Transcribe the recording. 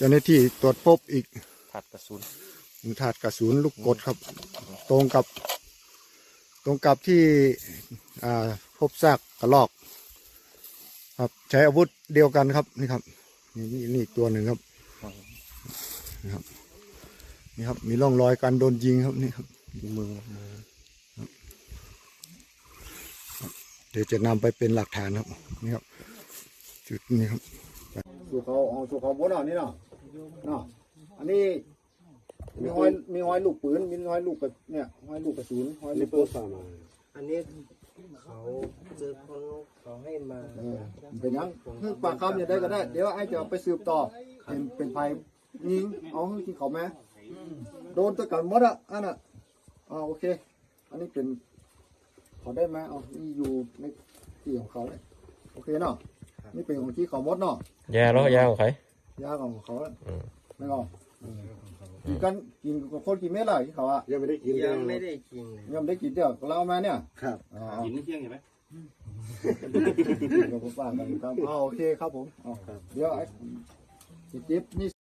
จ้าหน้าที่ตรวจพบอีกถาดกระสุนลูกกดครับ ตรงกับที่พบซากกระรอกครับใช้อาวุธเดียวกันครับนี่ครับนี่ตัวหนึ่งครับนี่ครับมีร่องรอยการโดนยิงครับนี่ครับมือเดี๋ยวจะนำไปเป็นหลักฐานครับนี่ครับจุดนี้ครับสู่เขาบนนี่เนาะอันนี้มีห้อยลูกปืนมีห้อยลูกเนี่ยห้อยลูกกระสุนห้อยลูกปืนอันนี้เขาเจอคนเขาให้มาเป็นยังปากคำอย่างได้ก็ได้เดี๋ยวไอ้จะไปสืบต่อเป็นภัยยิงเอาที่เขาแม่โดนตะกันหมดอ่ะอันน่ะโอเคอันนี้เป็นเขาได้ไหมนี่อยู่ในที่ของเขาเลยโอเคเนาะนี่เป็นของที่เขาหมดเนาะยาของใครยาของเขาไม่เอากินกับคนกินเม็ดอะไรที่เขายังไม่ได้กินเดี๋ยวเราเอามาเนี่ยครับกินไม่เที่ยงเห็นไหมเดี๋ยวผมฝากกันครับโอเคครับผมเดี๋ยวไอ้จิ๊บนี่